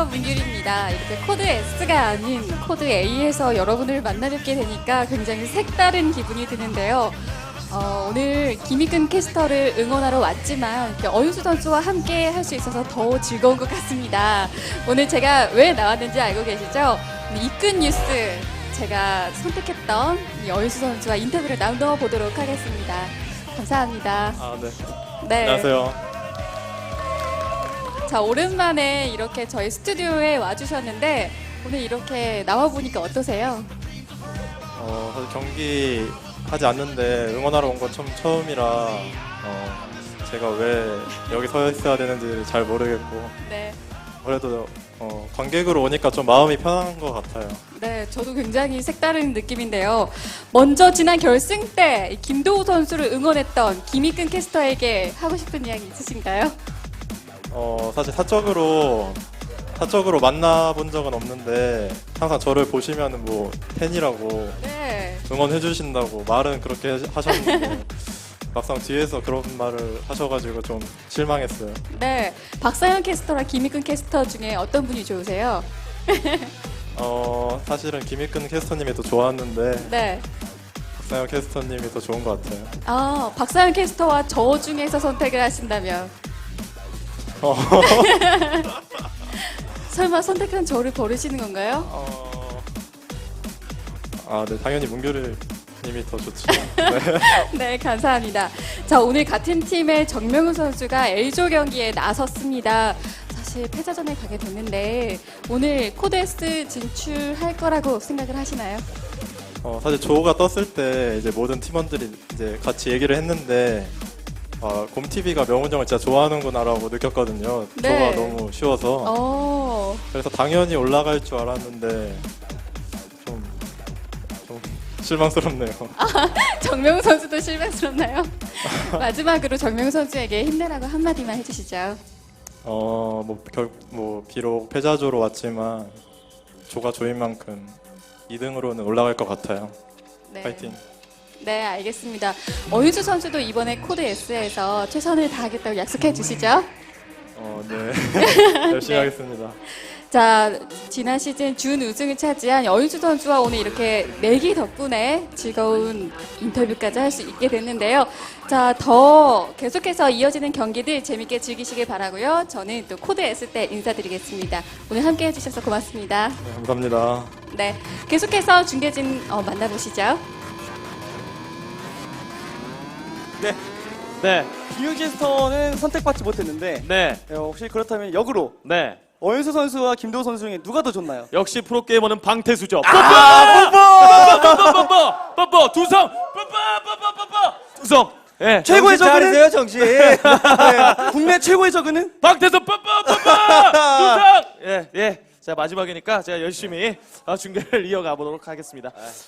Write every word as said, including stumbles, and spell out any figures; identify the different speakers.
Speaker 1: 안녕하세요, 문율입니다. 이렇게 코드 S가 아닌 코드 A에서 여러분을 만나뵙게 되니까 굉장히 색다른 기분이 드는데요. 어, 오늘 김희근 캐스터를 응원하러 왔지만 어윤수 선수와 함께 할 수 있어서 더 즐거운 것 같습니다. 오늘 제가 왜 나왔는지 알고 계시죠? 이끈 뉴스 제가 선택했던 이 어윤수 선수와 인터뷰를 나눠보도록 하겠습니다. 감사합니다.
Speaker 2: 아, 네.
Speaker 1: 네.
Speaker 2: 안녕하세요.
Speaker 1: 자, 오랜만에 이렇게 저희 스튜디오에 와주셨는데 오늘 이렇게 나와보니까 어떠세요?
Speaker 2: 어, 사실 경기 하지 않는데 응원하러 온 건 처음, 처음이라 어, 제가 왜 여기 서 있어야 되는지 잘 모르겠고
Speaker 1: 네.
Speaker 2: 그래도 어, 관객으로 오니까 좀 마음이 편한 것 같아요.
Speaker 1: 네, 저도 굉장히 색다른 느낌인데요. 먼저 지난 결승 때 김도우 선수를 응원했던 김희근 캐스터에게 하고 싶은 이야기 있으신가요?
Speaker 2: 어, 사실 사적으로 사적으로 만나본 적은 없는데 항상 저를 보시면 뭐 팬이라고
Speaker 1: 네.
Speaker 2: 응원해 주신다고 말은 그렇게 하셨는데 막상 뒤에서 그런 말을 하셔가지고 좀 실망했어요.
Speaker 1: 네. 박사현 캐스터랑 김희근 캐스터 중에 어떤 분이 좋으세요?
Speaker 2: 어, 사실은 김희근 캐스터님이 더 좋았는데
Speaker 1: 네.
Speaker 2: 박상현 캐스터님이 더 좋은 것 같아요.
Speaker 1: 아, 박사현 캐스터와 저 중에서 선택을 하신다면
Speaker 2: 어,
Speaker 1: 설마 선택한 저를 버리시는 건가요?
Speaker 2: 어, 아, 네, 당연히 문규리 님이 더 좋죠.
Speaker 1: 네, 감사합니다. 자, 오늘 같은 팀의 정명훈 선수가 A조 경기에 나섰습니다. 사실 패자전에 가게 됐는데 오늘 코드 S 진출할 거라고 생각을 하시나요?
Speaker 2: 어, 사실 조가 떴을 때 이제 모든 팀원들이 이제 같이 얘기를 했는데 아, 곰티비가 명훈 형을 진짜 좋아하는구나라고 느꼈거든요.
Speaker 1: 네.
Speaker 2: 조가 너무 쉬워서.
Speaker 1: 어,
Speaker 2: 그래서 당연히 올라갈 줄 알았는데 좀, 좀 실망스럽네요.
Speaker 1: 정명훈 선수도 실망스럽나요? 마지막으로 정명훈 선수에게 힘내라고 한마디만 해주시죠.
Speaker 2: 어, 뭐, 결, 뭐 비록 패자조로 왔지만 조가 조인 만큼 이 등으로는 올라갈 것 같아요.
Speaker 1: 네.
Speaker 2: 파이팅.
Speaker 1: 네, 알겠습니다. 어윤수 선수도 이번에 코드 S에서 최선을 다하겠다고 약속해 주시죠.
Speaker 2: 어, 네. 열심히
Speaker 1: 네.
Speaker 2: 하겠습니다.
Speaker 1: 자, 지난 시즌 준 우승을 차지한 여윤수 선수와 오늘 이렇게 내기 덕분에 즐거운 인터뷰까지 할 수 있게 됐는데요. 자, 더 계속해서 이어지는 경기들 재밌게 즐기시길 바라고요. 저는 또 코드 S 때 인사드리겠습니다. 오늘 함께 해주셔서 고맙습니다.
Speaker 2: 네, 감사합니다.
Speaker 1: 네, 계속해서 중계진 어, 만나보시죠.
Speaker 3: 네. 네. 김윤 캐스터는 선택받지 못했는데
Speaker 4: 네,
Speaker 3: 네, 혹시 그렇다면 역으로
Speaker 4: 네.
Speaker 3: 어윤수 선수와 김도우 선수 중에 누가 더 좋나요?
Speaker 4: 역시 프로게이머는 방태수죠.
Speaker 3: 아, 뽀뽀!
Speaker 4: 뽀뽀! 뽀뽀! 두성! 뽀뽀! 뽀뽀! 뽀뽀! 두성! 예.
Speaker 3: 최고의
Speaker 5: 정신
Speaker 3: 저그는
Speaker 5: 차리세요, 정신.
Speaker 3: 네, 국내 최고의 저그는
Speaker 4: 방태수 뽀뽀! 뽀뽀! 두성! 예, 예. 자, 마지막이니까 제가 열심히 어, 중계를 이어가 보도록 하겠습니다.